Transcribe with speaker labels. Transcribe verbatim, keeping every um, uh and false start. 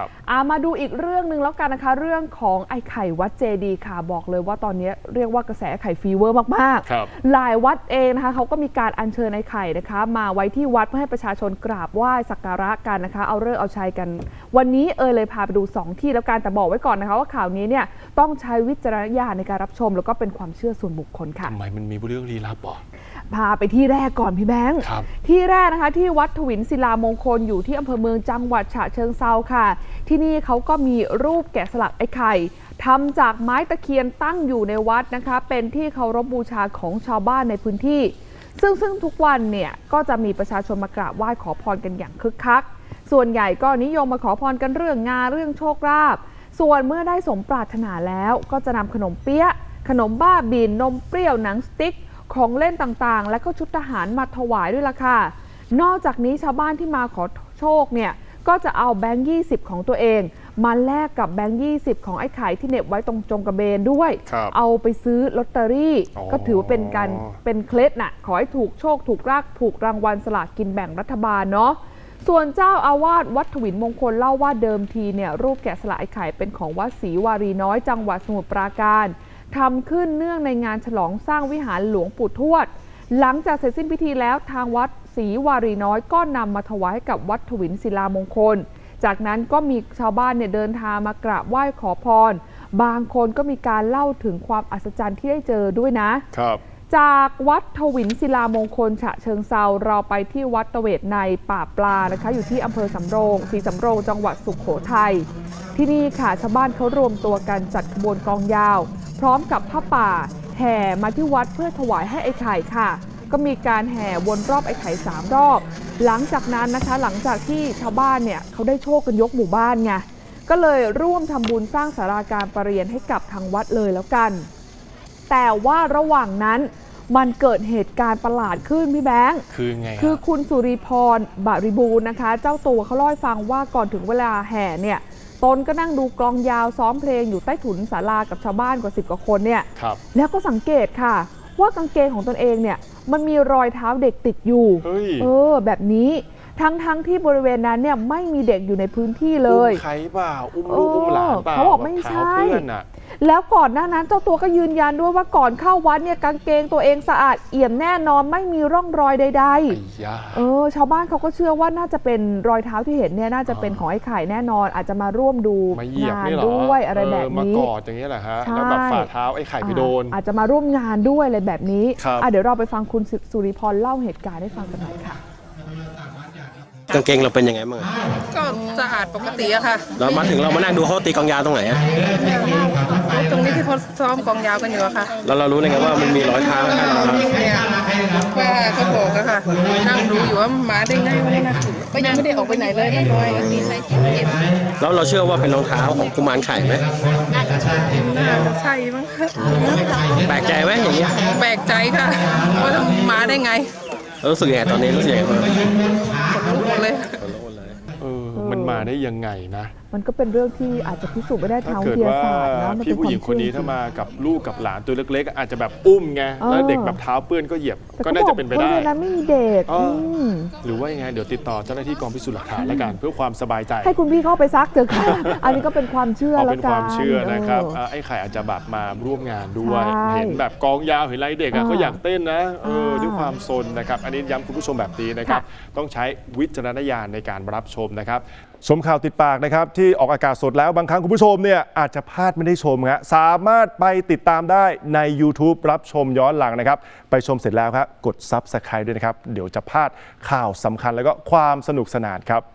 Speaker 1: ครับอามาดูอีกเรื่องหนึ่งแล้วกันนะคะเรื่องของไอ้ไข่วัดเจดีย์ค่ะบอกเลยว่าตอนนี้เรียกว่ากระแสไข่ฟีเวอร์มากๆหลายวัดเองนะคะเขาก็มีการอัญเชิญไอ้ไข่นะคะมาไว้ที่วัดเพื่อให้ประชาชนกราบไหว้สักการะกันนะคะเอาฤกษ์เอาชัยกันวันนี้เออเลยพาไปดูสองที่แล้วกันแต่บอกไว้ก่อนนะคะว่าข่าวนี้เนี่ยต้องใช้วิจารณญาณในการรับชมแล้วก็เป็นความเชื่อส่วนบุคคลค่ะ
Speaker 2: ทำไมมันมีเรื่องลี้ลับหรอ
Speaker 1: พาไปที่แรกก่อนพี่แบงค์ที่แรกนะคะที่วัดถวินศิลามงคลอยู่ที่อำเภอเมืองจังหวัดฉะเชิงเทราค่ะที่นี่เขาก็มีรูปแกะสลักไอ้ไข่ทำจากไม้ตะเคียนตั้งอยู่ในวัดนะคะเป็นที่เคารพบูชาของชาวบ้านในพื้นที่ซึ่งซึ่งทุกวันเนี่ยก็จะมีประชาชนมากราบไหว้ขอพรกันอย่างคึกคักส่วนใหญ่ก็นิยมมาขอพรกันเรื่องงานเรื่องโชคลาภส่วนเมื่อได้สมปรารถนาแล้วก็จะนำขนมเปี๊ยะขนมบ้าบินนมเปรี้ยวหนังสติ๊กของเล่นต่างๆและก็ชุดทหารมาถวายด้วยล่ะค่ะนอกจากนี้ชาวบ้านที่มาขอโชคเนี่ยก็จะเอาแบงค์ยี่สิบของตัวเองมาแลกกับแบงค์ยี่สิบของไอ้ไข่ที่เหน็บไว้ตรงจงกระเบนด้วยเอาไปซื้อลอตเตอรี่ก็ถือว่าเป็นการเป็นเคล็ดน่ะขอให้ถูกโชคถูกรากถูกรางวัลสลากกินแบ่งรัฐบาลเนาะส่วนเจ้าอาวาสวัดถวินมงคลเล่าว่าเดิมทีเนี่ยรูปแกะสลักไอ้ไข่เป็นของวัดศรีวารีน้อยจังหวัดสมุทรปราการทำขึ้นเนื่องในงานฉลองสร้างวิหารหลวงปู่ทวดหลังจากเสร็จสิ้นพิธีแล้วทางวัดศรีวารีน้อยก็นำมาถวายให้กับวัดถวินศิลามงคลจากนั้นก็มีชาวบ้านเนี่ยเดินทางมากราบไหว้ขอพรบางคนก็มีการเล่าถึงความอัศจรรย์ที่ได้เจอด้วยนะครับจากวัดถวินศิลามงคลฉะเชิงเทราเราไปที่วัดตะเวทในป่าปลานะคะอยู่ที่อำเภอสำโรงศรีสำโรงจังหวัดสุโขทัยที่นี่ค่ะชาวบ้านเขารวมตัวกันจัดขบวนกลองยาวพร้อมกับผ้าป่าแห่มาที่วัดเพื่อถวายให้ไอ้ไข่ค่ะก็มีการแห่วนรอบไอ้ไข่สามรอบหลังจากนั้นนะคะหลังจากที่ชาวบ้านเนี่ยเขาได้โชคกันยกหมู่บ้านไงก็เลยร่วมทำบุญสร้างศาลาการประเรียนให้กับทางวัดเลยแล้วกันแต่ว่าระหว่างนั้นมันเกิดเหตุการณ์ประหลาดขึ้นพี่แบงค์
Speaker 2: คือไง
Speaker 1: คือคุณสุริพรบริบูรณ์นะคะเจ้าตัวเขาเล่าให้ฟังว่าก่อนถึงเวลาแห่เนี่ยตนก็นั่งดูกลองยาวซ้อมเพลงอยู่ใต้ถุนศาลากับชาวบ้านกว่าสิบกว่าคนเนี่ยแล้วก็สังเกตค่ะว่ากางเกงของตนเองเนี่ยมันมีรอยเท้าเด็กติดอยู่เออแบบนี้ทั้งทั้งที่บริเวณนั้นเนี่ยไม่มีเด็กอยู่ในพื้นที่เลย
Speaker 2: อุ้มใครเปล่าอุ้มลูกอุ้มหลานเปล่า
Speaker 1: เขาบอกไม่ใช่แล้วก่อนหน้านั้นเจ้าตัวก็ยืนยันด้วยว่าก่อนเข้าวัดเนี่ยกางเกงตัวเองสะอาดเอี่ยมแน่นอนไม่มีร่องรอยใดๆเออชาวบ้านเขาก็เชื่อว่าน่าจะเป็นรอยเท้าที่เห็นเนี่ยน่าจะเป็นของไอ้ไข่แน่นอนอาจจะมาร่วมดูงานด้วยอะไรแบบนี้
Speaker 2: มากอดอย่างนี้แหละฮะแล้วแบบฝ่าเท้าไอ้ไข่ไปโดน
Speaker 1: อาจจะมาร่วมงานด้วยอะไรแบบนี้เดี๋ยวเราไปฟังคุณสุริพรเล่าเหตุการณ์ให้ฟังกันหน่อยค่ะ
Speaker 3: กางเกงเราเป็นยังไงบ้าง
Speaker 4: ก็สะอาดปกติอะค่ะ
Speaker 3: เรามาถึงเรามานั่งดูเขาตีกองยาวตรงไหนอะ
Speaker 4: ตรงนี้ที่เขาซ้อมกองยาวกันอยู่อะค่ะ
Speaker 3: แล้วเรารู้ได้ไงว่ามันมีรอยเท้าไหม
Speaker 4: ว่าเขาบอกอะค่ะนั่งดูอยู่ว่าหมาได้ไงไม่นะก็ยังไม่ได้ออกไปไหนเลยไม่ลอย
Speaker 3: แล้วเราเชื่อว่าเป็นรองเท้าของกุมารไข่ไหม
Speaker 4: น่าจะใช่มั้ง
Speaker 3: แปลกใจไหมอย่างนี้
Speaker 4: แปลกใจค่ะว่าหมาได้ไง
Speaker 3: รู้สึกยังไงตอนนี้รู้สึกยังไงบ้าง
Speaker 4: ขนลุกหมดเลย
Speaker 2: เออมันมาได้ยังไงนะ
Speaker 1: มันก็เป็นเรื่องที่อาจจะพิสูจน์ไม่ได้ทางวิทยาศาสตร์นะ
Speaker 2: พี่ผู้หญิงคนนี้ถ้ามากับลูกกับหลานตัวเล็กๆอาจจะแบบอุ้มไงแล้วเด็กแบบเท้าเปื้อนก็เหยียบก็น่าจะเป็นไปได้
Speaker 1: แต่นั้นไม่มีเด็ก
Speaker 2: หรือว่ายังไงเดี๋ยวติดต่อเจ้าหน้าที่กองพิสูจน์หลักฐานแล้วกันเพื่อความสบายใจ
Speaker 1: ให้คุณพี่เข้าไปซักเถอะค่ะอันนี้ก็เป็นความเชื่อแล้วกัน
Speaker 2: เป็นความเชื่อนะครับไอ้ไข่อาจจะแบบมาร่วมงานด้วยเห็นแบบกองยาวเห็นไรเด็กเขาอยากเต้นนะด้วยความซนนะครับอันนี้ย้ำคุณผู้ชมแบบนี้นะครับต้องใช้วิจารณญาณในการรับชมนะครับชมข่าวติดปากนะครับที่ออกอากาศสดแล้วบางครั้งคุณผู้ชมเนี่ยอาจจะพลาดไม่ได้ชมครับสามารถไปติดตามได้ใน YouTube รับชมย้อนหลังนะครับไปชมเสร็จแล้วครับกด ซับสไครบ์ ด้วยนะครับเดี๋ยวจะพลาดข่าวสำคัญแล้วก็ความสนุกสนานครับ